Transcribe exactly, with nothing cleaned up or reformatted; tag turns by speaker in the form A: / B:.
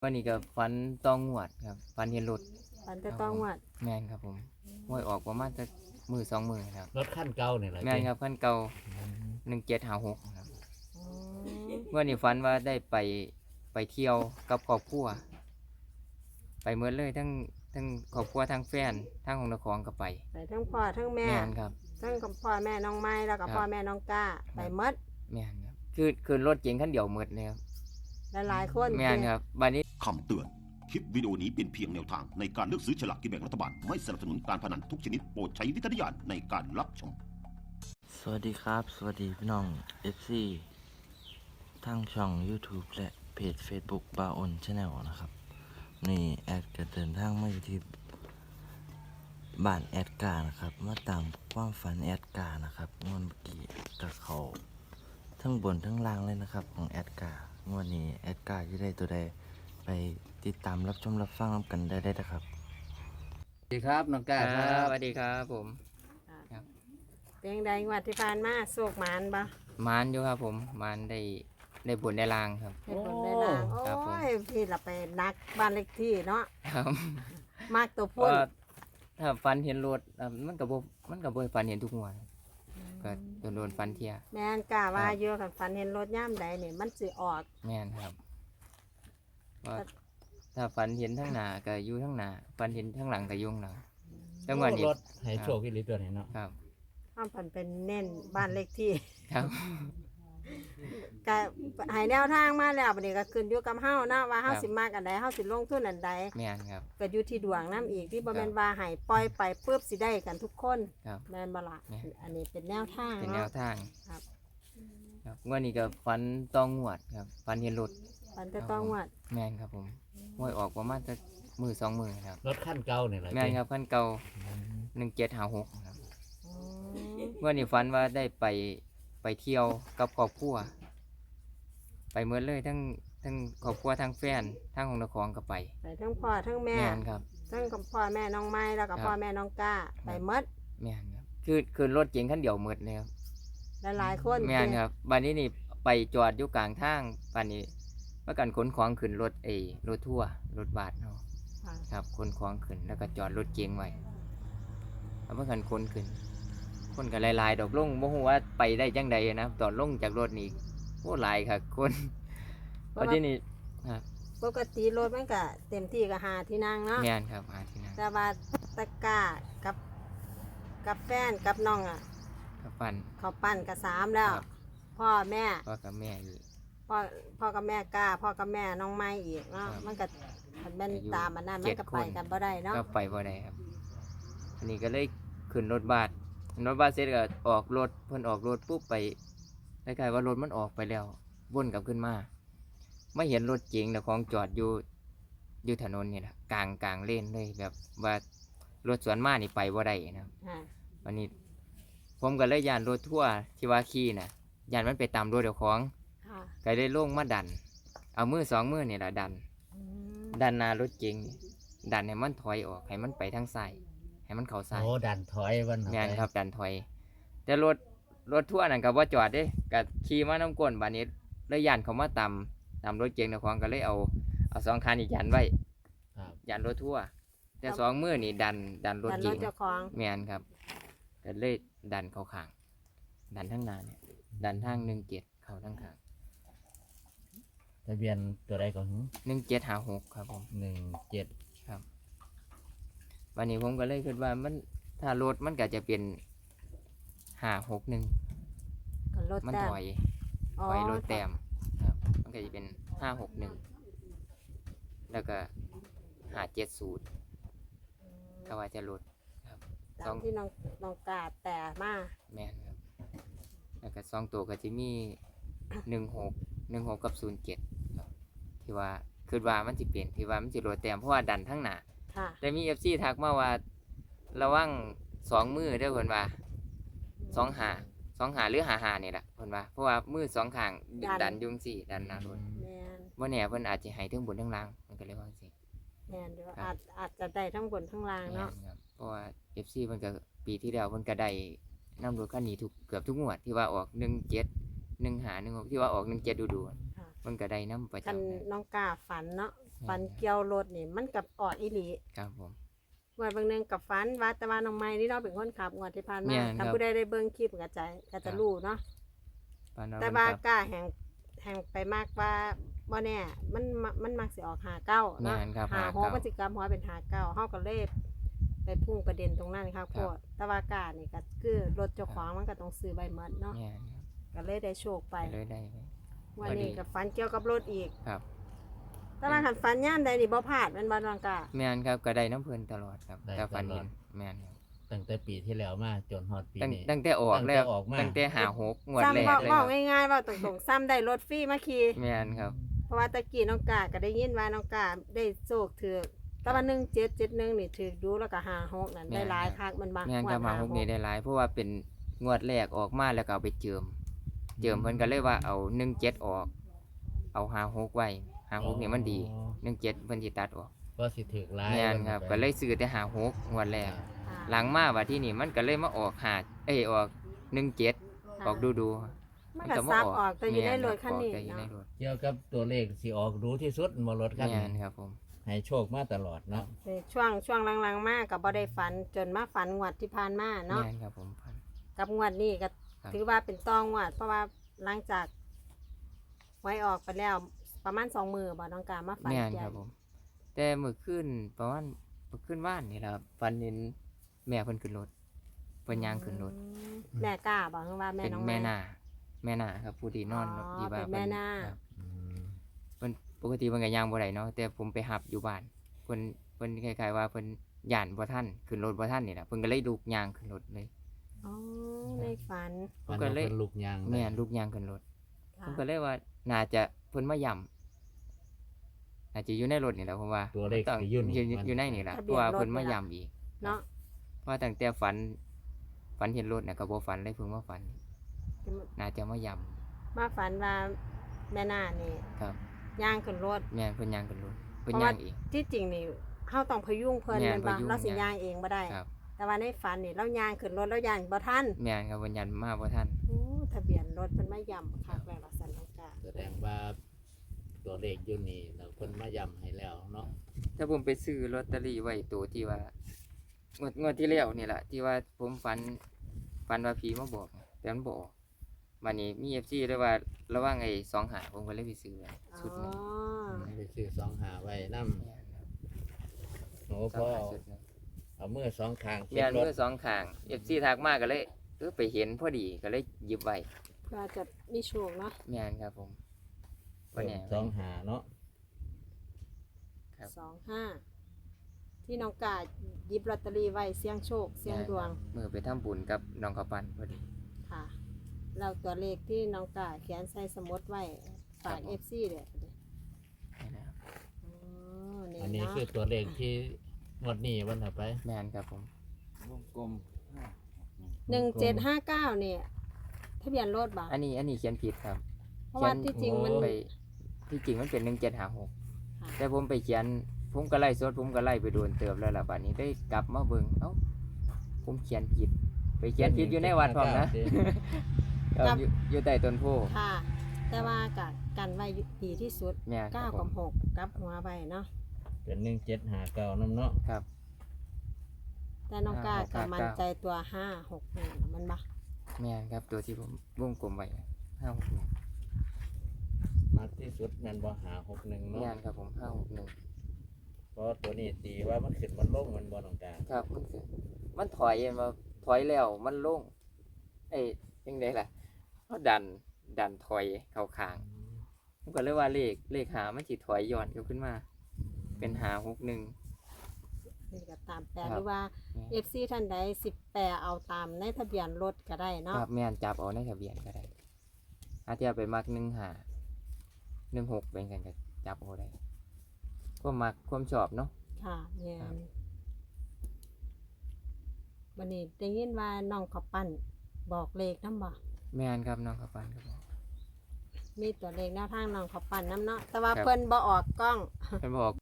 A: วันนี้ก็ฝันต้องงวดครับฝันเห็นรถ
B: ฝันแต่ต้องงวด
A: แม่นครับผมหวยออกประมาณจะมือสองมือครับ
C: รถขั้นเก่าเนี่ยแหละ
A: แม่นครับคันเก่าหนึ่งเจ็ดห้าหกครับวันนี้ฝันว่าได้ไปไปเที่ยวกับครอบครัวไปเมื่อเลยทั้งทั้งครอบครัวทั้งแฟนทั้งของนครก็ไป
B: ไปทั้งพ่อทั้งแม่
A: แม่นครับ
B: ทั้งกับพ่อแม่น้องไม้แล้วกับพ่อแม่น้องก้าไปหมด
A: แม่นครับคือคือรถเก๋งคันเดียวหมดเลยครับ
B: หลายๆคน
A: แม่นครับบัดนี้
D: คำเตือน คลิปวิดีโอนี้เป็นเพียงแนวทางในการเลือกซื้อฉลากกินแบ่งรัฐบาล ไม่สนับสนุนการพนันทุกชนิดโปรดใช้วิจารณญาณในการรับชม
E: สวัสดีครับ สวัสดีพี่น้อง เอฟ ซี ทั้งช่อง YouTube และเพจ Facebook บาออนชาแนลนะครับ นี่แอดก็เดินทางมาอยู่ที่บ้านแอดการ์นะครับ มาตามความฝันแอดการ์นะครับงวดเมื่อกี้กับเขาทั้งบนทั้งล่างเลยนะครับของแอดการ์งวดนี้แอดการ์จะได้ตัวใดไปติดตามรับชมรับฟังกันได้ได้นะครับ
C: สวัสดีครับน้องก้าครับ
A: สวัสดีครับผมครับ
B: เพียงใดงวดที่ผ่านมาโศกหมานบ่
A: มานอยู่ครับผมมานได้ได้บุญได้ลางครับ
B: ให้ผลได้ลาง
A: ครับผม
B: โอ้ยพี่เราไปนักบ้านเล็กที่เนาะ
A: ครับ
B: มากตัว
A: เพ
B: พุ่น
A: ราะถ้าฟันเห็นรถอ่ะมันกับมันกับฟันเห็นทุกงวดก็โดนโดนฟันเทีย
B: แม่นกล้าว่าเยอะกันฝันเห็นรถย่ำใดเนี่ยมันสิออก
A: แม่นครับว่าถ้าฟันเห็นทั้งหน้าก็อยู่ทั้งหน้าฟันเห็นทั้งหลังก็อยุ่ข้างหลังจังหวะนี้
C: รถให้โชคอีหลีตัวไหนเนาะ
A: ครับ
B: ข้ามฝันเป็นเน้นบ้านเล็กที่
A: ครับ
B: ก็ใหายแนวทางมาแล้วบัดนี้ก็ขึ้นอยู่กับเฮานะว่าเฮาสิมากอันใดเฮาสิลงทุนอันใด
A: แม่นครับ
B: ก็อยู่ที่ดวงน้ำอีกที่บ่แม่นว่าให้ปล่อยไปปุ๊บสิได้กันทุกคน
A: ครับ
B: แม่นบ่ล่ะ
A: แม่น
B: อันนี้เป็นแนวทาง
A: เป็นแน
B: เนาะ
A: วทาง
B: ครับ
A: ครับงวดนี้ก็ฟันต้องงวดครับฟันเห็นรถ
B: ฝันแต่ต้องงวด
A: แม่นครับผมหวยออกประมาณจะมือสองมือครับ
C: รถขั้นเก่าเนี่ยแหละ
A: แม่นครับคันเก่าหนึ่งเจ็ดห้าหกครับ
B: อืม
A: เมื่อนี้ฝันว่าได้ไปไปเที่ยวกับครอบครัวไปเมื่อเลยทั้งทั้งครอบครัวทั้งแฟนทั้งของนครก็ไป
B: ไปทั้งพ่อทั้งแม่
A: แม่นครับ
B: ทั้งกับพ่อแม่น้องไม้แล้วกับ
A: ครับ
B: พ่อแม่น้องก้าไปหมด
A: แม่นครับคือคือรถเก๋งคันเดียวหมดเลยครับ
B: หลายๆคน
A: แม่นครับบัดนี้นี่ไปจอดอยู่กลางทางบัดนี้เมื่อกันขนของขึ้นรถเอรถทั่วร์รถบัสเนาะ
B: ค่ะ
A: ครับขนของขึ้นแล้วก็จอดรถเก๋งไว้แล้วเมื่อกันขนขึ้นคนก็หลายๆดอกลงบ่ฮู้ว่าไปได้จังใดนะตอนลงจากรถนี่โอ้หลายค่ะคนบัดนี้นี่ครับ
B: ปกติรถมันก็เต็มที่ก็หาที่นั่งเนาะ
A: แม่นครับหาที่นั่น
B: แต่ว่าตะกร้ากับกับแฟนกับน้องอ่ะ
A: กับฟัน
B: เขาปั้นกับสามแล้ว
A: ครับ
B: พ่อแม่
A: พ่อกับแม่อีก
B: พ่อพ่อกับแม่กล้าพ่อกับแม่น้องไม้อีกเนาะ
A: ครับ
B: มันก็มันเป็น
A: อายุ
B: ตามมันนั่น
A: เจ็
B: มัน
A: ด
B: ก็ไป
A: คน
B: กันบ่ได้เนาะ
A: ก็ไปบ่ได้ครับอันนี้ก็เลยขึ้นรถบัสรถบัสเสร็จก็ออกรถเพิ่นออกรถปุ๊บไปคล้ายๆว่ารถมันออกไปแล้ววนกลับขึ้นมาไม่เห็นรถเก๋งแต่ของจอดอยู่อยู่ถนนนี่แหละกลางกลางเลนเลยแบบว่ารถสวนมานี่ไปบ่ได้นะครับ
B: ค่ะ
A: วันนี้ ผมก็เลยยานรถทั่วร์ที่ว่าขี่น่ะยานมันไปตามรถเจ้าของ
B: ค่ะ
A: ก็เลยลงมาดัน เอามือสองมือนี่แหละดัน
B: อืม
A: ดันหน้ารถเก๋งนี่ดันให้มันถอยออกให้มันไปทางซ้ายให้มันเข้าซ้าย
C: โอ้ดันถอยวัน
A: แม่นครับดันถอย แต่รถรถทั่วร์นั่นก็บ่จอดเด้ก็ขี่มาน้ำก้นบาดนี้เลยย่านเขามาตามตามรถเก๋งเจ้าของก็เลยเอาเอาสองคันนี่ยันไว้
C: ครับ
A: ยันรถทั่วร์แต่สองมือนี่ดันดันรถ
B: ดันร
A: เก๋
B: ถ
A: ง
B: เจ้าของ
A: แม่นครับก็เลยดันเข้าข้างดันทั้งหน้าเนี่ยดันทางหนึ่งเจ็ดเข้าทั้งข้าง
C: ทะเบียนตัวใดก่อน
A: หนึ่งเจ็ดห้าหกครับผม
C: หนึ่งเจ็ด
A: วันนี้ผมก็เลยคิดว่ามันถ้ารถมันก็จะเป็นห้าหกหนึ่ง
B: กับรถ
A: มัน
B: แต้
A: ถ
B: ม
A: อย
B: อ๋อ
A: ถอยรถแต้มครับ มันก็จะเป็นห้าหกหนึ่งแล้วก็หาเจ็ดศูนย์ก็ว่าจะลด
B: ตามที่น้องน้องกาแต่มา
A: แม่นครับ แล้วก็สองตัวก็จะมีหนึ่งหกหนึ่งหกกับศูนย์เจ็ดครับที่ว่าคือว่ามันจะเปลี่ยนที่ว่ามันจะลดแต้มเพราะว่าดันทั้งหน้า
B: ค่ะ
A: แต่มีเอฟซีทักมาว่าระวังสองมือเด้อเพิ่นว่าสองหาสองหาหรือหาหานี่แหละเพิ่นว่าเพราะว่ามือสองข้างดันอยุงสี่ดันหน้ารถ
B: แม่น
A: ว่าแน่เพิ่นอาจจะให้ทั้งบนทั้งล่างมันก็เลยว่าสิ
B: แม่นเดี๋ยว
A: ครับ
B: อาจอาจจะได้ทั้งบนทั้งล่าง
A: แม่
B: เนาะ
A: นครับเพราะว่า เอฟ ซี เพิ่นก็ปีที่แล้วเพิ่นก็ได้นำรถคันนี้ทุกเกือบทุกงวดที่ว่าออกหนึ่งเจ็ด หนึ่งห้า หนึ่งหกที่ว่าออกหนึ่งเจ็ดดูๆ
B: ค่ะ
A: เพิ่นก็ได้นำประ
B: คัน
A: จำนะ
B: น้องกาฝันเนาะฝันเกี่ยวรถนี่มันกับออกอีหลี
A: ครับผม
B: งวดบางหนึงกับฝันว่าแต่ว่าน้องไม้นี่เนาะเป็นคนขับงวดที่ผ่าน
A: แม่
B: มาน ถ้า
A: ครับ
B: ผู้ใดได้เบิ่งคลิปก็จะก็
A: ครั
B: จะ
A: บ
B: รู้เนาะ
A: ฝันว่า
B: แต่
A: เพิ่น
B: ว่า
A: ขับ
B: กล้าแห่งแห่งไปมากว่าบ่แน่มันมมันมักสิออกหาเก้าเนาะ
A: แม่นครับ
B: หา
A: หา
B: หก
A: เก้า
B: มันสิกลับหัวเป็นหาเก้าเฮาก็เลยไปพุ่งประเด็นตรงนั้นครับ
A: ค
B: โพ
A: รับ
B: ดแต่ว่ากล้านี่ก็คือรถเจ้าของมันก็ต้องซื้อใบหมดเนาะ
A: แม่นครับ
B: ก็เลยได้โชคไป
A: ไปเลยได้ไหม
B: วันนี้ก็ฝันเกี่ยวกับรถอีก
A: ครับ
B: แต่ว่าคันฝันย่ามใดนี่บ่พลาดแม่นบ่น้องกล้า
A: แม่นครับก็ได้น้ำเพิ่นตลอดครับ
C: ได้
A: แต่ฝัน
C: ตลอ
A: เห็
C: ด
A: นแม่นครับ
C: ตั้งแต่ปีที่แล้วมาจนฮอดปี
A: ตั้ง
C: นี้
A: ตั้งแต่ออกแล้ว
C: ตั้งแต่ออกมา
A: ตั้งแต่หาหกงวดแร
B: ซ้ำ
A: ก
B: เว้า
A: เลยค
B: เว้า
A: รับ
B: ง่ายๆเว้าตรงๆซ้ำได้รถฟรีมาขี่
A: แม่นครับ
B: เพราะว่าตะกี้น้องกล้าก็ได้ยินว่าน้องกล้าได้โชคถือกแต่ว่าหนึ่งเจ็ดเจ็ดหนึ่งนี่ถือกดูแล้วก็ห้าหกนั่น
A: แม่น
B: ได้หลาย
A: ครับ
B: คักมันบ่
A: แม่นครับ
B: งวด
A: หาหกนี่ได้หลายเพราะว่าเป็นงวดแรกออกมาแล้วก็เอาไปเจิม เจิมเพิ่นก็เลยว่าเอาหนึ่งเจ็ดออก เอาหาหกไว้หาหกนี่มันดี
C: อ๋อ
A: หนึ่งเจ็ดเพิ่นสิตัดออก
C: ก็สิถึกหลาย
A: แม่นครับก็เลยซื้อแต่หาหกงวดแรก
B: ค่ะ
A: หลังมาว่าที่นี่มันก็เลยมาออกหาเอ้ยออกหนึ่งเจ็ดออกดูดู
B: มันก็ซับออกแต่อยู่ในรถคันนี้
A: แม่ครับออกแต่อยู่ใน
B: เนาะ
A: รถ
C: เกี่ยวกับตัวเลขสิออกรู้ที่สุดบ่รถคัน
A: แม่
C: นี้
A: นครับผม
C: ให้โชคมาตลอดเนาะ
B: ในช่วงช่วงหลังๆมาก็บ่ได้ฝันจนมาฝันงวดที่ผ่านมาเนาะ
A: แม่นครับผมพัน
B: กับงวดนี้ก็
A: ครับ
B: ถือว่าเป็นต้องงวด เพราะว่าหลังจากไว้ออกไปแล้วประมาณสองมือบ่น้องกล้ามาฝัน
A: แม่น
B: เกี่
A: ค
B: ย
A: รั
B: ว
A: บผม แต่เมื่อคืนประมาณเมื่อคืนว่านนี่แหละครับฝันเห็นแม่เพิ่นขึ้นรถเพิ่นย่างขึ้นรถ
B: อืมแม่กล้าบอกว่าแม่
A: เป็น
B: น้อง
A: แม่
B: ไม้
A: นาแม่นาครับผู้ที่นอน
B: อ๋อ
A: ที่ว่า
B: เป็นแม่นา
A: ครับ
C: อืม
A: เพิ่นปกติเพิ่นก็ย่างบ่ได้เนาะแต่ผมไปหับอยู่บ้านเพิ่นเพิ่นคล้ายๆว่าเพิ่นย่านบ่ทันขึ้นรถบ่ทันนี่แหละเพิ่นก็เลยลุกย่างขึ้นรถเลย
B: อ๋อในฝัน
C: มัน
A: ก็
C: ก็
A: เลย
C: เป็นลูกยางได้
A: แม่นลุกย่างขึ้นรถ
B: ค่ะ
A: ผมก็เลยว่าน่าจะเพิ่นมาย่ำน่าจะอยู่ในรถนี่แหละผมว่า
C: ตัวเลข
A: ต้อง
C: สิอยู่นี่
A: อยู่
C: มัน
A: อยู่ในนี่แหละ
B: ทะ
A: เพ
B: เบียน
A: ราะว่า
B: รถ
A: เพิ่นมา
B: นี่ล่ะ
A: ย่ำอีก
B: เนาะ
A: เพราะตั้งแต่ฝันฝันเห็นรถเนี่ยก็บ่ฝันเลยเพิ่งมาฝัน น่าจะมาย่
B: มาฝันว่าแม่นานี่
A: ำครับ
B: ย่างขึ้นรถ
A: แม่นเพิ่นย่างขึ้นรถเพิ่น
B: เพราะว่า
A: ย่างอีก
B: ที่จริงนี่เฮาต้องพยุงเพิ่น
A: แม่
B: แม่
A: น
B: นบ่
A: พยุง
B: เราสิ
A: ย่าง
B: ย่างเองบ่ได้
A: ครับ
B: แต่ว่าในฝันนี่เราย่างขึ้นรถแล้วย่างบ่ทัน
A: แม่นครับเพิ่นยันมาบ่ทัน
B: โอ้ทะเบียนรถเพิ่นมาย่ำคักแล้วล่ะสันน้องกล้า
C: แสดงว่าตัวเลขอยู่นี่เราเพิ่นมาย้ำให้แล้วเนาะ
A: ถ้าผมไปซื้อลอตเตอรี่ไว้ตัวที่ว่างวดงวดที่แล้วนี่แหละที่ว่าผมฝันฝันว่าผีมาบอกแต่มันบ่ออกบัดนี้มี เอฟ ซี เลยว่าระหว่างไอ้สองหาผมก็เลยไปซื้อไว้
B: อ๋
A: ชุดหนึง
B: อ
C: ไปซื้อสองหาไว้นำ
A: แม่นครับ
C: โอ้
A: ส
C: พ
A: อง
C: อ
A: หา
C: เอา
A: ชุดหนึง
C: เอามือสองข้าง
A: แม่น
C: รถ
A: มือสองข้าง เอฟ ซี ทักมาก็เลยเออไปเห็นพอดีก็เลยหยิบไว้
B: เพื่อจะมีโชคเนาะ
A: แม่นครับผมบ่แน่
C: สองหาเนาะ
A: ครับ
B: สองห้าที่น้องกล้าหยิบลอตเตอรี่ไว้เสี่ยงโชคเสี่ยงดวง
A: มือไปทำบุญกับน้องข้าวปั้นพอดี
B: ค่ะแล้วตัวเลขที่น้องกล้าเขียนใส่สมุดไว้ฝาก
A: ครับผม
B: เอฟซีเด้อ
A: นี่นะครับ
B: อ๋อนี่
C: อันนี้
B: เนาะ
C: คือตัวเลขที่งวดนี้วันต่อไป
A: แม่นครับผม
E: วงกลม
B: หนึ่งเจ็ดห้าเก้าเนี่ยทะเบียนรถบ่
A: อันนี้อันนี้เขียนผิดครับ
B: เพราะว่าที่จริงมัน
A: ไปที่จริงมันเป็นหนึ่งเจ็ดหาหก
B: ค่ะ
A: แต่ผมไปเขียนผมก็ไล่สดผมก็ไล่ไปโดนเติบแล้วล่ะบัดนี้ได้กลับมาเบิ่งเอ้าผมเขียนผิด ไปเขียนผิดอยู่ในวัดพร้อมนะ ครับอยู่อยู่ใต้ต้นโพ
B: ค่ะ แต่ว่ากักันไว้ดีที่สุด
A: แม่นค
B: เก้า
A: รับผ
B: กับ
A: ม
B: หกกับหัวใบเนาะ
C: เป็นหนึ่งเจ็ดหาเก้าน้ำเนาะ
A: ครับ
B: แต่น้องกล้า
A: ห้าหก
B: ก็
A: เก้า
B: มั่นใจตัวห้าหกหนึ่งมันบ่
A: แม่นครับตัวที่ผมวงกลมไว้ห้าหกหนึ่ง
C: มากที่สุดแม่นบ่หาหกหนึ่งเนาะ
A: แม่นครับผมห้าหกหนึ่ง
C: เพราะตัวนี้ตีว่ามันขึ้นมันลงมันบ่ต้องการ
A: ครับมันคือมันถอยมาถอยแล้วมันลงเอ้ยยังไงล่ะเขาดันดันถอยเข้าข้างผมก็เลยว่าเลขเลขหามันสิถอยย้อนกลับขึ้นมา เป็นหาหกหนึ่ง
B: นี่ก็ตามแปล
A: ครับ
B: หรือว่า เอฟซีท่านใดสิบแปลเอาตามในทะเบียนรถก็ได้
A: ค
B: เนาะ
A: รับแม่นจับเอาในทะเบียนก็ได้อาจจะไปมักหนึ่งหาหนึ่งหกเป็นกันก็จับเอาได้ก็มักความชอบเนาะ
B: ค่ะเนี่ย
A: ครับ
B: วันนี้ได้ยินว่าน้องเขาปั้นบอกเลขน้ำบ่
A: แม่นครับน้องข้าวปั้นครับผม
B: มีตัวเลขแนวทางน้องเขาปั้นน้ำเนาะแต่ว่า
A: ครับ
B: เพิ่นบ่ออกกล้อง
A: เพิ่นบอก